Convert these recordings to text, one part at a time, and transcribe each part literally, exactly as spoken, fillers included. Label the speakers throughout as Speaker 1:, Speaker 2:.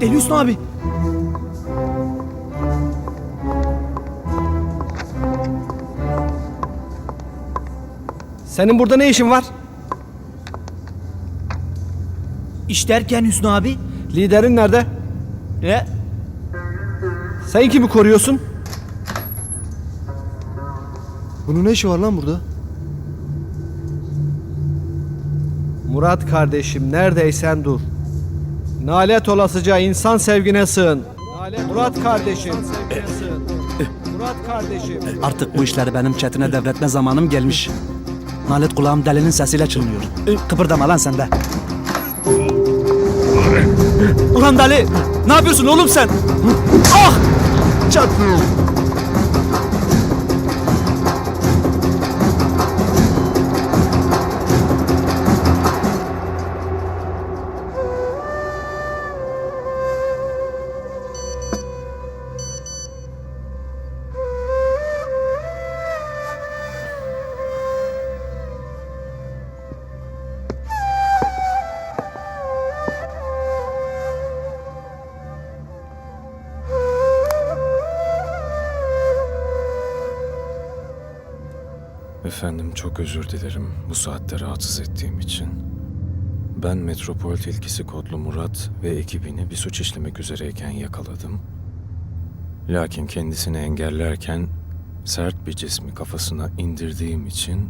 Speaker 1: Eli Hüsnü abi.
Speaker 2: Senin burada ne işin var?
Speaker 1: İş derken Hüsnü abi.
Speaker 2: Liderin nerede?
Speaker 1: Ne?
Speaker 2: Sen kimi koruyorsun?
Speaker 3: Bunun ne işi var lan burada?
Speaker 2: Murat kardeşim neredeysen dur. Nalet olasıca insan sevgine sığın. Nalet Murat kardeşim. Sevgine sığın. Murat kardeşim.
Speaker 4: Artık bu işleri benim çetine devretme zamanım gelmiş. Nalet kulağım delinin sesiyle çınlıyor. Kıpırdama lan sen de. Ulan deli! Ne yapıyorsun oğlum sen? Ah! Çat!
Speaker 5: Efendim çok özür dilerim bu saatte rahatsız ettiğim için. Ben Metropol Tilkisi kodlu Murat ve ekibini bir suç işlemek üzereyken yakaladım. Lakin kendisini engellerken sert bir cismi kafasına indirdiğim için...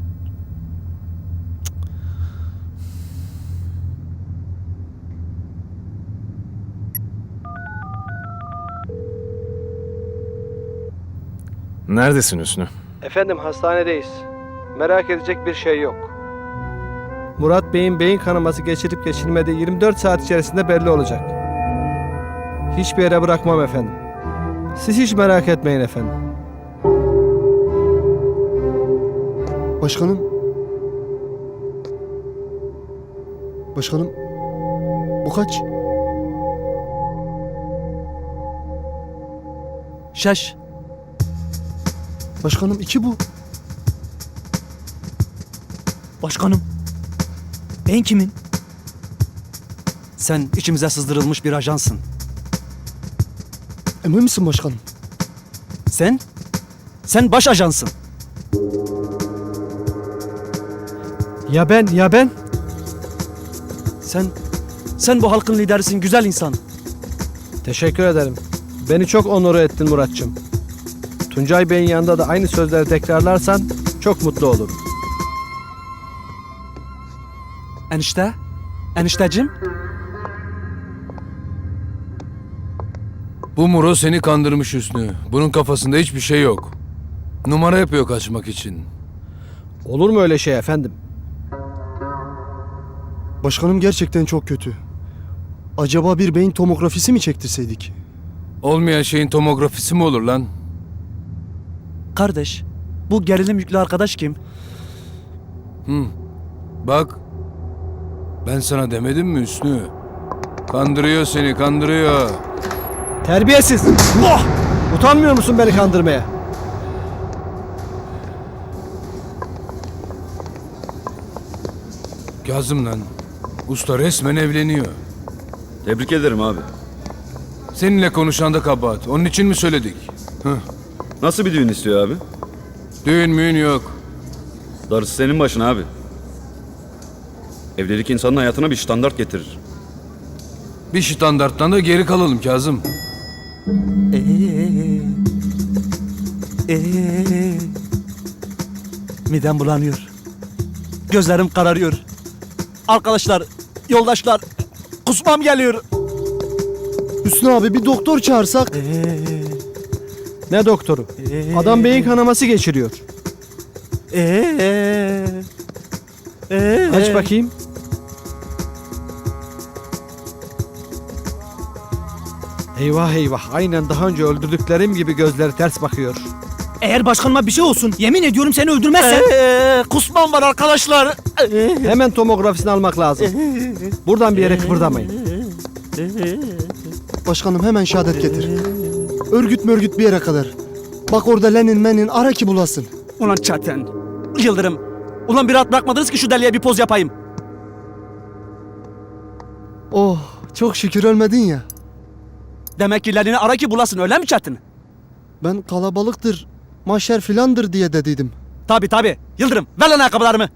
Speaker 5: Neredesin Hüsnü?
Speaker 2: Efendim hastanedeyiz. Merak edecek bir şey yok. Murat Bey'in beyin kanaması geçirip geçirmediği yirmi dört saat içerisinde belli olacak. Hiçbir yere bırakmam efendim. Siz hiç merak etmeyin efendim.
Speaker 3: Başkanım. Başkanım. Bu kaç?
Speaker 4: Şaş!
Speaker 3: Başkanım iki bu.
Speaker 1: Başkanım. Ben kimin?
Speaker 4: Sen içimize sızdırılmış bir ajansın.
Speaker 3: Emin misin başkanım?
Speaker 4: Sen? Sen baş ajansın.
Speaker 2: Ya ben, ya ben?
Speaker 4: Sen, sen bu halkın liderisin güzel insan.
Speaker 2: Teşekkür ederim. Beni çok onur ettin Muratçım. Tuncay Bey'in yanında da aynı sözleri tekrarlarsan çok mutlu olurum.
Speaker 4: Enişte? Eniştecim?
Speaker 6: Bu Muro seni kandırmış Hüsnü. Bunun kafasında hiçbir şey yok. Numara yapıyor kaçmak için.
Speaker 2: Olur mu öyle şey efendim?
Speaker 3: Başkanım gerçekten çok kötü. Acaba bir beyin tomografisi mi çektirseydik?
Speaker 6: Olmayan şeyin tomografisi mi olur lan?
Speaker 4: Kardeş, bu gerilim yüklü arkadaş kim?
Speaker 6: Bak, ben sana demedim mi Hüsnü? Kandırıyor seni, kandırıyor.
Speaker 2: Terbiyesiz! Oh! Utanmıyor musun beni kandırmaya?
Speaker 6: Kazım lan, usta resmen evleniyor.
Speaker 7: Tebrik ederim abi.
Speaker 6: Seninle konuşan da kabahat. Onun için mi söyledik? Hıh.
Speaker 7: Nasıl bir düğün istiyor abi?
Speaker 6: Düğün müğün yok.
Speaker 7: Darısı senin başına abi. Evlilik insanın hayatına bir standart getirir.
Speaker 6: Bir standarttan da geri kalalım Kazım.
Speaker 4: Ee, ee, midem bulanıyor. Gözlerim kararıyor. Arkadaşlar, yoldaşlar, kusmam geliyor.
Speaker 3: Hüsnü abi bir doktor çağırsak.
Speaker 4: Ee,
Speaker 2: Ne doktoru?
Speaker 4: ee,
Speaker 2: Adam beyin kanaması geçiriyor.
Speaker 4: Ee, ee,
Speaker 2: Aç bakayım. Eyvah eyvah. Aynen daha önce öldürdüklerim gibi gözleri ters bakıyor.
Speaker 1: Eğer başkanıma bir şey olsun yemin ediyorum seni öldürmezsem.
Speaker 4: Ee, kusmam var arkadaşlar. Ee,
Speaker 2: Hemen tomografisini almak lazım. Buradan bir yere kıpırdamayın.
Speaker 3: Başkanım hemen şehadet getir. Örgüt mörgüt bir yere kadar. Bak orada Lenin menin ara ki bulasın.
Speaker 4: Ulan Çetin, Yıldırım. Ulan bir rahat bırakmadınız ki şu deliye bir poz yapayım.
Speaker 3: Oh çok şükür ölmedin ya.
Speaker 4: Demek ki Lenin'i ara ki bulasın öyle mi Çetin?
Speaker 3: Ben kalabalıktır, maşer filandır diye dediydim.
Speaker 4: Tabi tabi. Yıldırım ver lan ayakkabılarımı.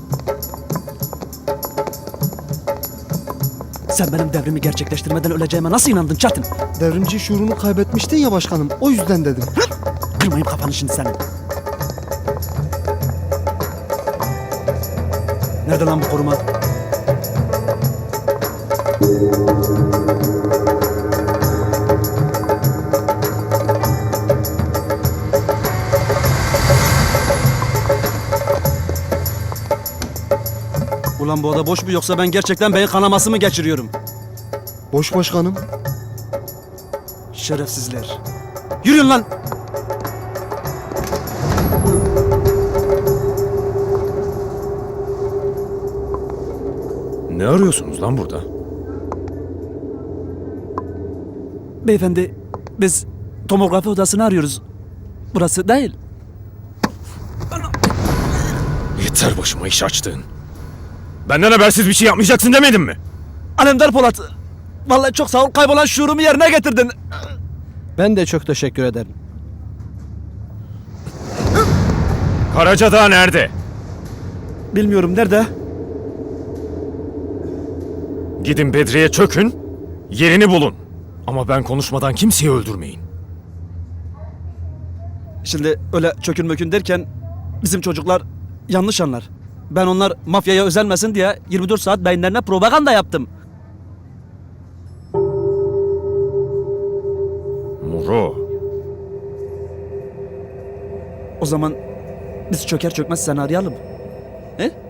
Speaker 4: Sen benim devrimi gerçekleştirmeden öleceğime nasıl inandın Çetin?
Speaker 3: Devrimci şuurunu kaybetmiştin ya başkanım, o yüzden dedim.
Speaker 4: Kırmayayım kafanı şimdi senin. Nerede lan bu koruma? Ulan bu oda boş mu yoksa ben gerçekten beyin kanaması mı geçiriyorum?
Speaker 3: Boş başkanım.
Speaker 4: Şerefsizler. Yürüyün lan!
Speaker 5: Ne arıyorsunuz lan burada?
Speaker 4: Beyefendi, biz tomografi odasını arıyoruz. Burası değil.
Speaker 5: Yeter başıma iş açtığın. Benden habersiz bir şey yapmayacaksın demedim mi?
Speaker 4: Alemdar Polat, vallahi çok sağ ol, kaybolan şuurumu yerine getirdin.
Speaker 2: Ben de çok teşekkür ederim.
Speaker 5: Karacadağ nerede?
Speaker 4: Bilmiyorum nerede?
Speaker 5: Gidin Bedri'ye çökün, yerini bulun. Ama ben konuşmadan kimseyi öldürmeyin.
Speaker 4: Şimdi öyle çökün mökün derken bizim çocuklar yanlış anlar. Ben onlar mafyaya özenmesin diye yirmi dört saat beyinlerine propaganda yaptım.
Speaker 5: Muro,
Speaker 4: O zaman biz çöker çökmez seni arayalım. He?